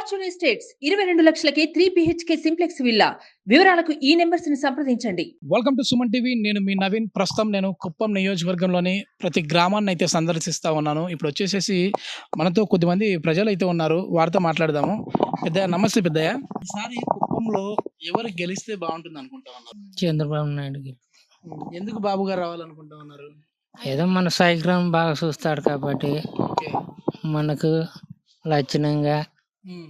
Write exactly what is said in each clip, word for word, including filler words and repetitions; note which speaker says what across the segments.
Speaker 1: Fortune estates ఇరవై రెండు లక్షలకే త్రీ బిహెచ్కే సింప్లెక్స్ విల్లా. వివరాలకు ఈ నెంబర్స్ ని సంప్రదించండి.
Speaker 2: Welcome to Suman TV. నేను మీ నవీన్. ప్రస్తుతం నేను కుప్పం నియోజకవర్గంలోని ప్రతి గ్రామాన్ని అయితే సందర్శిస్తూ ఉన్నాను. ఇప్పుడు వచ్చేసేసి మనతో కొద్దిమంది ప్రజలు అయితే ఉన్నారు, వారితో మాట్లాడదాము. పెద్దయ్య నమస్తే. పెద్దయ్య, ఈసారి కుప్పంలో ఎవరు గెలిస్తే బాగుంటుంది అనుకుంటా ఉన్నారు?
Speaker 3: చంద్రబాబు నాయుడుకి.
Speaker 2: ఎందుకు బాబు గారు రావాలనుకుంటా ఉన్నారు?
Speaker 3: ఏదో మన సాయిగ్రామం బాగా చూస్తాడు కాబట్టి
Speaker 2: ఓకే.
Speaker 3: మనకు లక్షణంగా
Speaker 2: ఉమ్,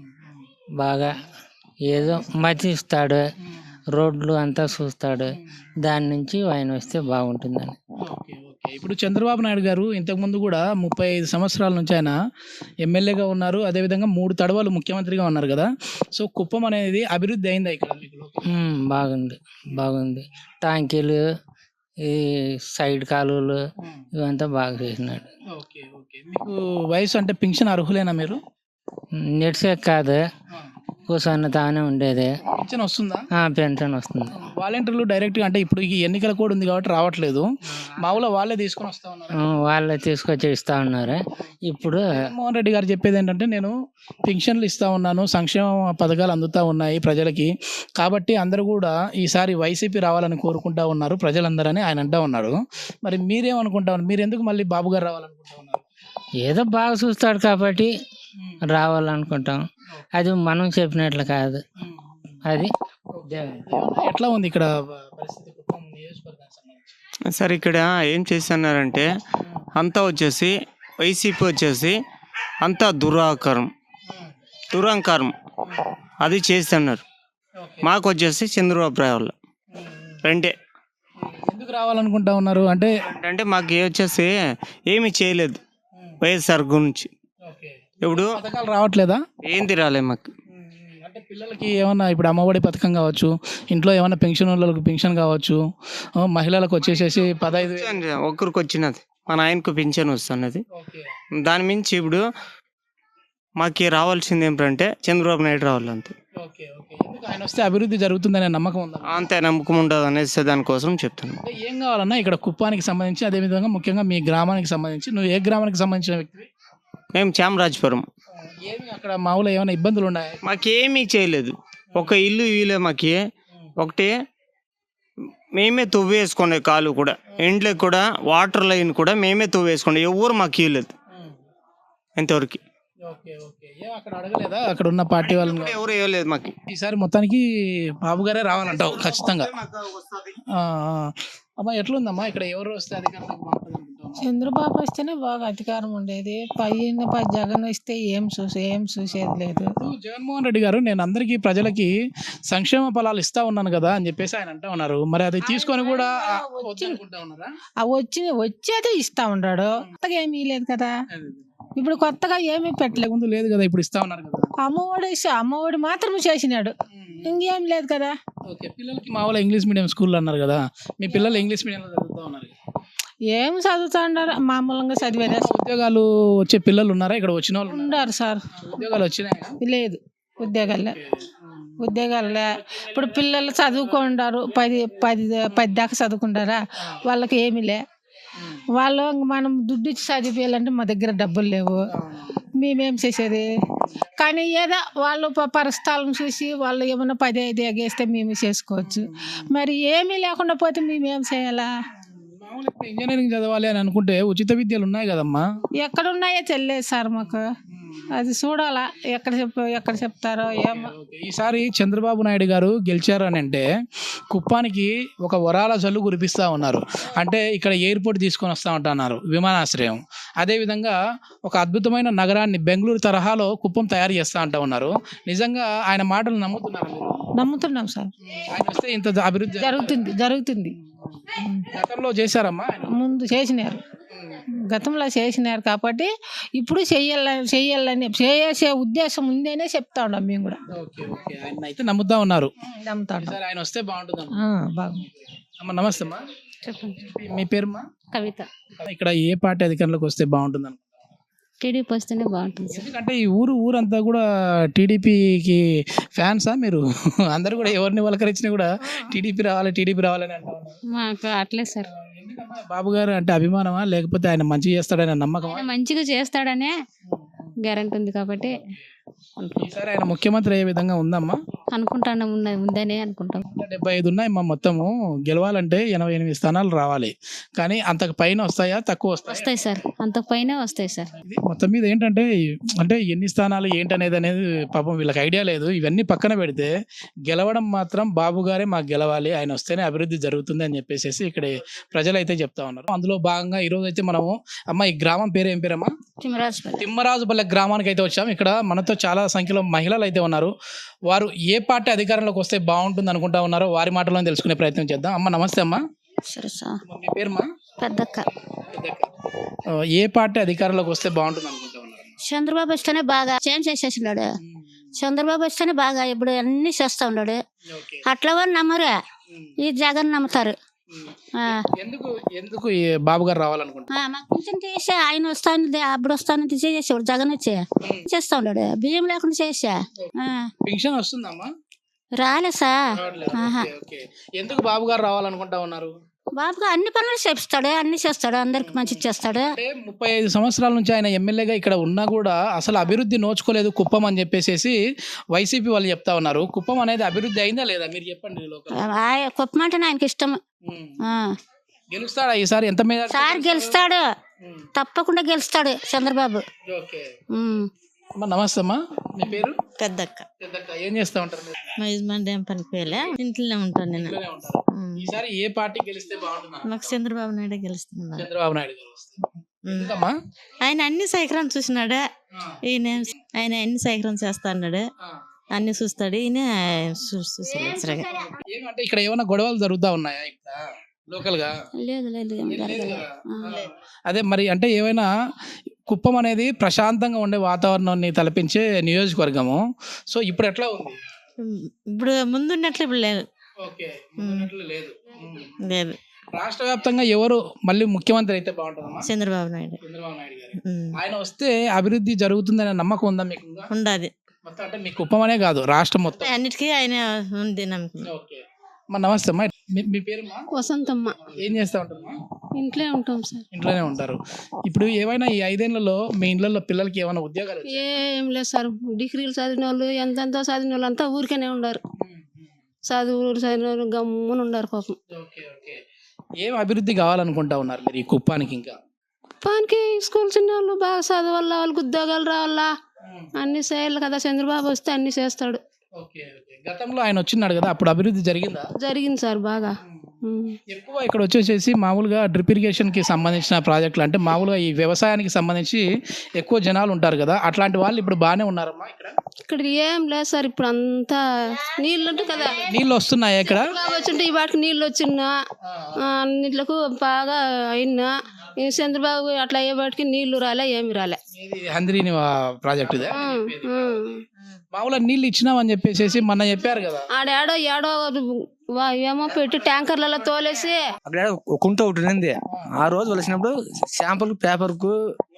Speaker 3: బాగా ఏదో మతిస్తాడు, రోడ్లు అంతా చూస్తాడు. దాని నుంచి ఆయన వస్తే బాగుంటుందని.
Speaker 2: ఓకే ఓకే ఇప్పుడు చంద్రబాబు నాయుడు గారు ఇంతకుముందు కూడా ముప్పై ఐదు సంవత్సరాల నుంచి ఆయన ఎమ్మెల్యేగా ఉన్నారు, అదేవిధంగా మూడు తడవలు ముఖ్యమంత్రిగా ఉన్నారు కదా. సో కుప్పం అనేది అభివృద్ధి అయిందా ఇక్కడ మీకు?
Speaker 3: ఉమ్, బాగుంది బాగుంది టాంకీలు, ఈ సైడ్ కాలువలు ఇవంతా బాగా చేసినాడు.
Speaker 2: ఓకే ఓకే మీకు వయసు అంటే పింఛన్ అర్హులేనా మీరు?
Speaker 3: నెట్సే కాదు, కూర్చొని తానే ఉండేది.
Speaker 2: పింఛన్ వస్తుందా?
Speaker 3: ఆ, పెన్షన్ వస్తుంది.
Speaker 2: వాలంటీర్లు డైరెక్ట్గా అంటే ఇప్పుడు ఈ ఎన్నికల కోడ్ ఉంది కాబట్టి రావట్లేదు, మామూలుగా వాళ్ళే తీసుకొని వస్తా ఉన్నారు.
Speaker 3: ఆ, వాళ్ళే తీసుకొచ్చి ఇస్తా ఉన్నారు. ఇప్పుడు
Speaker 2: జగన్మోహన్ రెడ్డి గారు చెప్పేది ఏంటంటే, నేను పింఛన్లు ఇస్తా ఉన్నాను, సంక్షేమ పథకాలు అందుతూ ఉన్నాయి ప్రజలకి, కాబట్టి అందరూ కూడా ఈసారి వైసీపీ రావాలని కోరుకుంటా ఉన్నారు ప్రజలందరని ఆయన అంటా ఉన్నాడు. మరి మీరేమనుకుంటా ఉన్నారు? మీరు ఎందుకు మళ్ళీ బాబు గారు రావాలనుకుంటా ఉన్నారు?
Speaker 3: ఏదో బాగా చూస్తాడు కాబట్టి రావాలనుకుంటాం. అది మనం చెప్పినట్లు కాదు. అది
Speaker 2: ఏమన్నా ఎట్లా ఉంది ఇక్కడ పరిస్థితి కుప్పం నియోజకవర్గానికి సంబంధించి?
Speaker 4: సార్ ఇక్కడ ఏం చేస్తున్నారంటే అంతా వచ్చేసి వైసీపీ వచ్చేసి అంతా దురాకారం దురహంకారం అది చేస్తున్నారు. మాకు వచ్చేసి చంద్రబాబు రావాలి రెండే.
Speaker 2: ఎందుకు రావాలనుకుంటా ఉన్నారు అంటే?
Speaker 4: అంటే మాకు ఏ వచ్చేసి ఏమీ చేయలేదు వైఎస్ఆర్ గురించి. ఇప్పుడు
Speaker 2: పథకాలు రావట్లేదా?
Speaker 4: ఏంది రాలే మాకు.
Speaker 2: అంటే పిల్లలకి ఏమన్నా ఇప్పుడు అమ్మఒడి పథకం కావచ్చు, ఇంట్లో ఏమన్నా పెన్షన్ వాళ్ళకి పెన్షన్ కావచ్చు, ఆ, మహిళలకు వచ్చేసేసి పదహైదు వేలు.
Speaker 4: ఒక్కరికి వచ్చినది మా నాయనకు పింఛన్ వస్తున్నది.
Speaker 2: ఓకే.
Speaker 4: దాని మించి ఇప్పుడు మాకు రావాల్సింది ఏమిటంటే చంద్రబాబు నాయుడు రావాలి అంతే.
Speaker 2: ఓకే ఓకే ఎందుకు ఆయన వస్తే అభివృద్ధి జరుగుతుందనే నమ్మకం ఉందా?
Speaker 4: అంతే నమ్మకం ఉండదు అనేసి దానికోసం చెప్తాను.
Speaker 2: అంటే ఏం కావాలన్నా ఇక్కడ కుప్పానికి సంబంధించి, అదేవిధంగా ముఖ్యంగా మీ గ్రామానికి సంబంధించి, నువ్వు ఏ గ్రామానికి సంబంధించిన వ్యక్తివి?
Speaker 4: మేము చామరాజపురం.
Speaker 2: ఏమి అక్కడ మామూలు ఏమైనా ఇబ్బందులు ఉన్నాయి?
Speaker 4: మాకేమీ చేయలేదు. ఒక ఇల్లు ఇవ్వలే మాకి. ఒకటి మేమే తవ్వేసుకోండి, కాలు కూడా ఇంట్లో కూడా వాటర్ లైన్ కూడా మేమే తవ్వేసుకోండి, ఎవరు మాకు ఇవ్వలేదు ఇంతవరకు.
Speaker 2: ఓకే ఓకే ఏం అక్కడ అడగలేదా అక్కడ ఉన్న పార్టీ వాళ్ళని?
Speaker 4: కూడా ఎవరు ఇవ్వలేదు మాకు.
Speaker 2: ఈసారి మొత్తానికి బాబు గారే రావాలంటావు ఖచ్చితంగా. ఆ, ఆ. అమ్మా ఎట్లుందమ్మా ఇక్కడ ఎవరు వస్తే అధికారంలోకి బాగుంటుంది అనుకుంటావు?
Speaker 5: చంద్రబాబు వస్తేనే బాగా అధికారం ఉండేది. పైన పై జగన్ వస్తే ఏం చూసే ఏం చూసేది లేదు.
Speaker 2: ఇప్పుడు జగన్మోహన్ రెడ్డి గారు నేను అందరికీ ప్రజలకి సంక్షేమ ఫలాలు ఇస్తా ఉన్నాను కదా అని చెప్పేసి ఆయన అంటా ఉన్నారు. మరి అది తీసుకొని కూడా ఆ, వద్దనుకుంటా ఉన్నారా?
Speaker 5: ఆ వచ్చి వచ్చేదే ఇస్తా ఉన్నాడు, కొత్తగా ఏమీ లేదు కదా. ఇప్పుడు కొత్తగా ఏమీ పెట్టలేదు.
Speaker 2: ముందు లేదు కదా, ఇప్పుడు ఇస్తా ఉన్నారు కదా.
Speaker 5: అమ్మఒడి ఇస్తే అమ్మఒడి మాత్రం చేసినాడు, ఇంకేం లేదు కదా.
Speaker 2: ఓకే పిల్లలకి మామూలు ఇంగ్లీష్ మీడియం స్కూల్ అన్నారు కదా, మీ పిల్లలు ఇంగ్లీష్ మీడియంలో చదువుతా ఉన్నారు కదా.
Speaker 5: ఏం చదువుతా ఉన్నారు, మామూలుగా చదివేదే.
Speaker 2: ఉద్యోగాలు వచ్చే పిల్లలు ఉన్నారా ఇక్కడ? వచ్చిన వాళ్ళు ఉన్నారా?
Speaker 5: ఉన్నారు సార్.
Speaker 2: ఉద్యోగాలు వచ్చినాయా?
Speaker 5: లేదు ఉద్యోగాలే ఉద్యోగాలే ఇప్పుడు పిల్లలు చదువుకుంటారు, పది పది పది దాకా చదువుకుంటారా, వాళ్ళకి ఏమీ లే. వాళ్ళు మనం దుడ్డు ఇచ్చి చదివేయాలంటే మా దగ్గర డబ్బులు లేవు, మేమేం చేసేది. కానీ ఏదో వాళ్ళు ప- పరిస్థితులను చూసి వాళ్ళు ఏమైనా పది ఐదు ఎగేస్తే మేము చేసుకోవచ్చు. మరి ఏమీ లేకుండా పోతే మేమేం చేయాలా?
Speaker 2: మామూలు ఇప్పుడు ఇంజనీరింగ్ చదవాలి అని అనుకుంటే ఉచిత విద్యలు ఉన్నాయి కదమ్మా.
Speaker 5: ఎక్కడ ఉన్నాయో తెలియదు సార్ మాకు, అది చూడాలా ఎక్కడ చెప్ ఎక్కడ చెప్తారో ఏమో.
Speaker 2: ఓకే, ఈసారి చంద్రబాబు నాయుడు గారు గెలిచారు అని అంటే కుప్పానికి ఒక వరాల జల్లు కురిపిస్తూ ఉన్నారు. అంటే ఇక్కడ ఎయిర్పోర్ట్ తీసుకొని వస్తూ ఉంటున్నారు, విమానాశ్రయం. అదేవిధంగా ఒక అద్భుతమైన నగరాన్ని బెంగళూరు తరహాలో కుప్పం తయారు చేస్తూ ఉంటా ఉన్నారు. నిజంగా ఆయన మాటలు నమ్ముతున్నారు మీరు?
Speaker 5: నమ్ముతున్నాం సార్,
Speaker 2: ఆయన వస్తే ఇంత అభివృద్ధి
Speaker 5: జరుగుతుంది జరుగుతుంది.
Speaker 2: గతంలో చేశారమ్మా ఆయన?
Speaker 5: ముందు చేసినారు, గతంలో చేసినారు కాబట్టి ఇప్పుడు చెయ్యాలని చెయ్యాలని చేసే ఉద్దేశం ఉందేనే చెప్తా ఉన్నాం మేము కూడా.
Speaker 2: ఓకే ఓకే ఆయన అయితే నమ్ముతా ఉన్నారు.
Speaker 5: నమ్ముతా ఉన్నాం.
Speaker 2: ఈసారి ఆయన వస్తే బాగుంటుంది.
Speaker 5: ఆ, బాగుంది.
Speaker 2: అమ్మ నమస్తే అమ్మా.
Speaker 6: చెప్పండి.
Speaker 2: మీ పేరుమా?
Speaker 6: కవిత.
Speaker 2: ఇక్కడ ఏ పార్టీ అధికారంలోకి వస్తే బాగుంటుంది అనుకుంటున్నారు?
Speaker 6: టీడీపీ వస్తేనే బాగుంటుంది సార్.
Speaker 2: ఎందుకంటే ఈ ఊరు ఊరంతా కూడా టీడీపీకి ఫ్యాన్సా మీరు? అందరూ కూడా ఎవరిని వలకరించినా కూడా టీడీపీ రావాలి టీడీపీ రావాలని అంటా ఉన్నారు.
Speaker 6: మాకు అట్లే సార్.
Speaker 2: ఎందుకమ్మా బాబు గారు అంటే అభిమానమా, లేకపోతే ఆయన మంచి చేస్తాడనే నమ్మకమా?
Speaker 6: ఆయన మంచిగా చేస్తాడనే గ్యారెంటీ ఉంది కాబట్టి అనుకుంటాం
Speaker 2: ఈసారి ఆయన ముఖ్యమంత్రి అయ్యే విధంగా ఉందమ్మా?
Speaker 6: అనుకుంటాను ఉన్నది ఉందనే అనుకుంటాం.
Speaker 2: డెబ్బై ఐదు ఉన్నాయి మా మొత్తము, గెలవాలంటే ఎనభై ఎనిమిది స్థానాలు రావాలి, కానీ అంతకు పైన వస్తాయా తక్కువ వస్తాయా?
Speaker 6: వస్తాయి సార్, అంతకు పైనే వస్తాయి సార్.
Speaker 2: ఇది మొత్తం మీద ఏంటంటే అంటే ఎన్ని స్థానాలు ఏంటనేది అనేది పాపం వీళ్ళకి ఐడియా లేదు. ఇవన్నీ పక్కన పెడితే గెలవడం మాత్రం బాబు గారే మాకు గెలవాలి, ఆయన వస్తేనే అభివృద్ధి జరుగుతుంది అని చెప్పేసి ఇక్కడ ప్రజలు అయితే చెప్తా ఉన్నారు. అందులో భాగంగా ఈరోజు అయితే మనము అమ్మ ఈ గ్రామం పేరు ఏం పేరమ్మా?
Speaker 6: తిమ్మరాజుపల్లి.
Speaker 2: తిమ్మరాజుపల్లె గ్రామానికి అయితే వచ్చాము. ఇక్కడ మనతో చాలా సంఖ్యలో మహిళలు అయితే ఉన్నారు. వారు ఏ పార్టీ అధికారంలోకి వస్తే బాగుంటుంది అనుకుంటా ఉన్నారో వారి మాటలో తెలుసుకునే ప్రయత్నం చేద్దాం. అమ్మ నమస్తే అమ్మా.
Speaker 6: సరే సార్.
Speaker 2: మీ పేరుమా?
Speaker 6: పెద్దక్క.
Speaker 2: ఆ, ఏ పార్టీ అధికారంలోకి వస్తే బాగుంటుంది అనుకుంటా ఉన్నారు?
Speaker 7: చంద్రబాబు వస్తేనే బాగా చేంజ్ చేసేసినాడు. చంద్రబాబు వస్తేనే బాగా ఇప్పుడు అన్ని చేస్తా ఉన్నాడు. అట్లా వాళ్ళు నమ్మరే, ఈ జగన్ నమ్ముతారు. ఆ,
Speaker 2: ఎందుకు ఎందుకు ఈ బాబు గారు రావాలనుకుంటున్నారు?
Speaker 7: ఆ, మాకు పింఛన్ చేసే ఆయన వస్తాను అప్పుడు వస్తాను చేసేవాడు. జగన్ వచ్చి చేస్తా ఉన్నాడు, బియ్యం లేకుండా చేసా. ఆ,
Speaker 2: పెన్షన్ వస్తుందమ్మా?
Speaker 7: రాలే సార్. ఆహా.
Speaker 2: Okay, okay. ఎందుకు బాబు గారు రావాలనుకుంటా ఉన్నారు?
Speaker 7: బాబుగా అన్ని పనులు చేపిస్తాడు, అన్ని చేస్తాడు, అందరికి మంచి చేస్తాడు.
Speaker 2: అంటే ముప్పై ఐదు సంవత్సరాల నుంచి ఆయన ఎమ్మెల్యేగా ఇక్కడ ఉన్నా కూడా అసలు అభివృద్ధి నోచుకోలేదు కుప్పం అని చెప్పేసి వైసీపీ వాళ్ళు చెప్తా ఉన్నారు. కుప్పం అనేది అభివృద్ధి అయిందా లేదా మీరు చెప్పండి.
Speaker 7: ఆ, కుప్పమంటే ఆయనకి ఇష్టం. ఆ,
Speaker 2: గెలుస్తాడా ఈసారి? ఎంత మీద
Speaker 7: సార్ గెలుస్తాడు, తప్పకుండా గెలుస్తాడు చంద్రబాబు.
Speaker 2: ఓకే
Speaker 7: ఉమ్.
Speaker 2: అమ్మా నమస్తే అమ్మా. మీ పేరు?
Speaker 8: పెద్దక్క.
Speaker 2: పెద్దక్క. ఏం చేస్తా ఉంటారు మీరు?
Speaker 8: మా యజమాని ఏం పనికి పోయలే, ఇంట్లోనే ఉంటాను నేను.
Speaker 2: ఇంట్లోనే ఉంటారు. ఈసారి ఏ పార్టీ గెలిస్తే బాగుంటుంది?
Speaker 8: మాకు చంద్రబాబు నాయుడు గెలుస్తున్నా.
Speaker 2: చంద్రబాబు నాయుడు గారు వస్తారు. ఎందుకమ్మా?
Speaker 8: ఆయన అన్ని సైకరం చూసినాడు.
Speaker 2: ఆ,
Speaker 8: ఈయన ఆయన అన్ని సైకరం చేస్తా అన్నాడు,
Speaker 2: ఆ.
Speaker 8: అన్ని చూస్తాడు. ఈయన చూ- చూసలేదు సరిగా.
Speaker 2: ఏమంటే ఇక్కడ ఏమైనా గొడవలు జరుగుతా ఉన్నాయా ఇక్కడ లోకల్ గా?
Speaker 7: లేదు లేదు ఏం
Speaker 2: ఏం లేదు
Speaker 7: జరగలేదు.
Speaker 2: కదా? అదే మరి అంటే ఏమైనా కుప్పం అనేది ప్రశాంతంగా ఉండే వాతావరణాన్ని తలపించే నియోజకవర్గము. సో ఇప్పుడు ఎట్లా ఉంది?
Speaker 8: ఇప్పుడు ముందున్నట్లు ఇప్పుడు లేదు.
Speaker 2: ఓకే, ముందున్నట్లు లేదు.
Speaker 8: లేదు.
Speaker 2: రాష్ట్ర వ్యాప్తంగా ఎవరు మళ్ళీ ముఖ్యమంత్రి అయితే బాగుంటుందమ్మా?
Speaker 8: చంద్రబాబు నాయుడు
Speaker 2: చంద్రబాబు నాయుడు గారు.
Speaker 8: ఉమ్.
Speaker 2: ఆయన వస్తే అభివృద్ధి జరుగుతుందనే నమ్మకం ఉందా మీకు? ఇంకా
Speaker 8: ఉండాది.
Speaker 2: మొత్తం అంటే మీ కుప్పం అనే కాదు రాష్ట్రం మొత్తం.
Speaker 8: అన్నిటికీ ఆయన ఉంది నమ్మకం.
Speaker 2: ఓకే అమ్మా నమస్తే అమ్మా. మీ- మీ పేరుమా?
Speaker 6: వసంతమ్మ.
Speaker 2: ఏం చేస్తా ఉంటారమ్మా?
Speaker 6: ఇంట్లో ఉంటాం సార్.
Speaker 2: ఇంట్లోనే ఉంటారు. ఇప్పుడు ఏమైనా ఈ ఐదేళ్లలో మీ ఇళ్లలో పిల్లలకి ఏమైనా ఉద్యోగాలు వచ్చాయా?
Speaker 6: ఏం లేదు సార్, డిగ్రీలు చదివిన వాళ్ళు ఎంతెంతో చదివిన వాళ్ళు అంతా ఊరికేనే ఉండరు. చదువు చదివిన వాళ్ళు గమ్మున ఉండరు పాపం.
Speaker 2: Okay, okay. ఏం అభివృద్ధి కావాలనుకుంటా ఉన్నారు మీరు ఈ కుప్పానికి? ఇంకా
Speaker 6: పానికి స్కూల్ చిన్న వాళ్ళు బాగా చదవాలా, వాళ్ళకి ఉద్యోగాలు రావాలా, అన్ని చేయాలి కదా. చంద్రబాబు వస్తే అన్ని చేస్తాడు.
Speaker 2: Okay, okay. గతంలో ఆయన వచ్చినాడు కదా, అప్పుడు అభివృద్ధి జరిగిందా?
Speaker 6: జరిగింది సార్ బాగా. ఉమ్.
Speaker 2: ఎక్కువ ఇక్కడ వచ్చేసేసి మామూలుగా డ్రిప్ ఇరిగేషన్ కి సంబంధించిన ప్రాజెక్టులు అంటే మామూలుగా ఈ వ్యవసాయానికి సంబంధించి ఎక్కువ జనాలు ఉంటారు కదా, అట్లాంటి వాళ్ళు ఇప్పుడు బాగానే ఉన్నారమ్మా ఇక్కడ?
Speaker 6: ఇక్కడ ఏం లేదు సార్, ఇప్పుడు అంతా నీళ్ళు ఉంటాయి కదా.
Speaker 2: నీళ్ళు వస్తున్నాయా ఇక్కడ?
Speaker 6: బాగా వచ్చింటే ఈ వాటికి నీళ్ళు వచ్చినా అన్నిట్లకు బాగా అయినా. ఈ చంద్రబాబు అట్లా అయ్యే వాటికి నీళ్లు రాలే, ఏమి రాలే.
Speaker 2: ఇది హంద్రీని ప్రాజెక్ట్ ఇదే.
Speaker 6: ఉమ్, ఉమ్.
Speaker 2: మామూలుగా నీళ్ళు ఇచ్చినామని చెప్పేసి మొన్న చెప్పారు కదా.
Speaker 6: ఆడేడో ఏడో వా- ఏమో పెట్టి ట్యాంకర్లలో తోలేసి
Speaker 9: అక్కడ ఒక కుంట ఒకటి ఉంది. ఆ రోజు వచ్చినప్పుడు శాంపుల్ పేపర్కు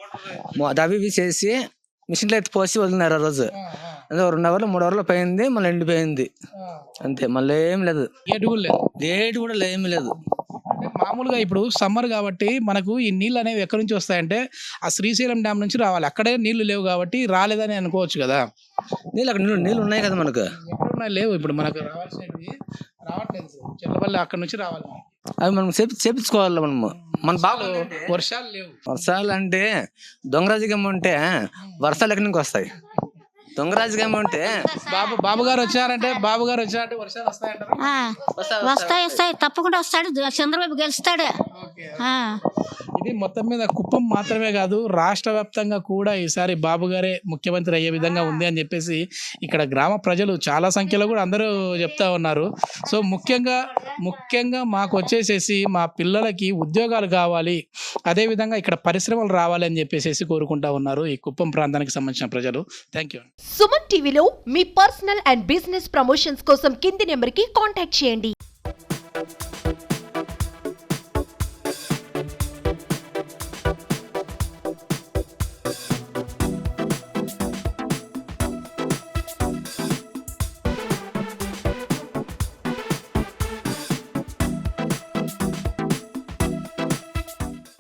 Speaker 9: అవి ఇవి చేసి మిషన్లో ఎత్తి పోసి వదిలినారు. ఆ రోజు అదే రెండు అవర్లు మూడు అవర్లు పోయింది, మళ్ళీ ఎండిపోయింది అంతే, మళ్ళీ ఏం లేదు.
Speaker 2: గేటు కూడా లేదు.
Speaker 9: డేట్ కూడా ఏమి లేదు.
Speaker 2: అంటే మామూలుగా ఇప్పుడు సమ్మర్ కాబట్టి మనకు ఈ నీళ్ళు అనేవి ఎక్కడి నుంచి వస్తాయంటే ఆ శ్రీశైలం డ్యామ్ నుంచి రావాలి. అక్కడే నీళ్లు లేవు కాబట్టి రాలేదని అనుకోవచ్చు కదా.
Speaker 9: నీళ్ళు అక్కడ నీళ్ళు నీళ్ళు ఉన్నాయి కదా మనకు.
Speaker 2: ఎక్కడున్నాయి? లేవు. ఇప్పుడు మనకు రావాల్సినవి రావట్లేదు. చెల్లవల్లి అక్కడ నుంచి రావాలి.
Speaker 9: అవి మనం చేపి చేపించుకోవాలి. మనము మన బాగా
Speaker 2: వర్షాలు లేవు.
Speaker 9: వర్షాలు అంటే దొంగరాజకం ఉంటే వర్షాలు ఎక్కడి నుంచి వస్తాయి? దొంగరాజకం ఉంటే
Speaker 2: బాబు బాబు గారు వచ్చారంటే బాబు గారు వచ్చారంటే వర్షాలు వస్తాయంటారు.
Speaker 7: ఆ, వస్తాయి వస్తాయి తప్పకుండా వస్తాడు. చంద్రబాబు గెలుస్తాడు. ఆ.
Speaker 2: ఇది మొత్తం మీద కుప్పం మాత్రమే కాదు రాష్ట్ర వ్యాప్తంగా కూడా ఈసారి బాబు గారే ముఖ్యమంత్రి అయ్యే విధంగా ఉంది అని చెప్పేసి ఇక్కడ గ్రామ ప్రజలు చాలా సంఖ్యలో కూడా అందరూ చెప్తా ఉన్నారు. సో ముఖ్యంగా ముఖ్యంగా మాకు వచ్చేసేసి మా పిల్లలకి ఉద్యోగాలు కావాలి, అదేవిధంగా ఇక్కడ పరిశ్రమలు రావాలి అని చెప్పేసి కోరుకుంటా ఉన్నారు ఈ కుప్పం ప్రాంతానికి సంబంధించిన ప్రజలు. Thank you.
Speaker 10: సుమన్ టీవీలో మీ పర్సనల్ అండ్ బిజినెస్ ప్రమోషన్స్ కోసం కింది నెంబర్కి కాంటాక్ట్ చేయండి.